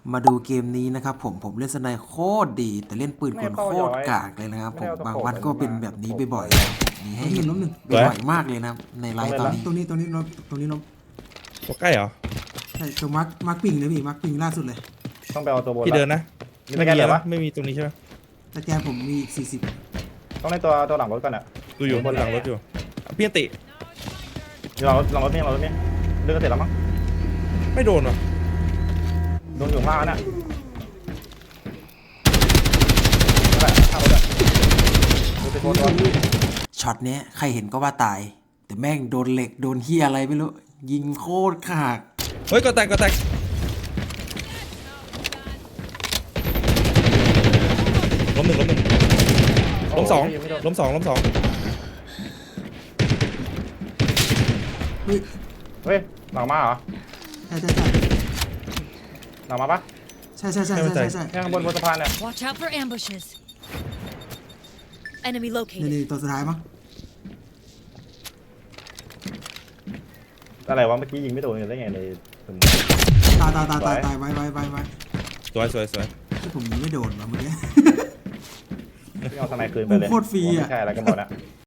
มาดูเกมนี้นะครับผมเล่นสไนโคตรดีแต่เล่นปืนกลโคตรกากเลยนะครับผมบางวันก็เป็นแบบนี้บ่อยๆนะครับมีให้เห็นบ่อยมากเลยนะครับในไลฟ์ตอนนี้ตรงนี้ล้มตรงนี้ล้มตัวใกล้เหรอใช่ตรงมาร์คปิงเลยพี่มาร์คปิงล่าสุดเลยต้องไปเอาตัวบนพี่เดินนะมีสแกนเหรอวะไม่มีตรงนี้ใช่ไหมแต่แกผมมีอีก40 ต้องในตัวหลังรถก่อนอ่ะดูอยู่บนหลังรถอยู่พี่อันติหลังรถนี่เลือกเสร็จแล้วมั้งไม่โดนว่ะโดนอยู่ข้างล่างน่ะนั่นแหละข้างรถอ่ะดูสิโคตรช็อตเนี้ยใครเห็นก็ว่าตายแต่แม่งโดนเหล็กโดนเฮียอะไรไม่รู้ยิงโคตรขากเฮ้ยก็แตกล้มหนึ่งล้มสองเฮ้ยเฮ้ยหลังมาเหรอใช่หลังมาปะใช่เนี่ยข้างบนสะพานเนี่ย Watch out for ambushes. Enemy located. นี่ตัวสุดท้ายมั้งอะไรวะเมื่อกี้ยิงไม่โดนได้ไงในตายไว้สวยที่ผมยิงไม่โดนวะเมื่อกี้ที่เอาสไนคืนไปเลยโคตรฟรีอะไม่ใช่อะไรกันหมดอะ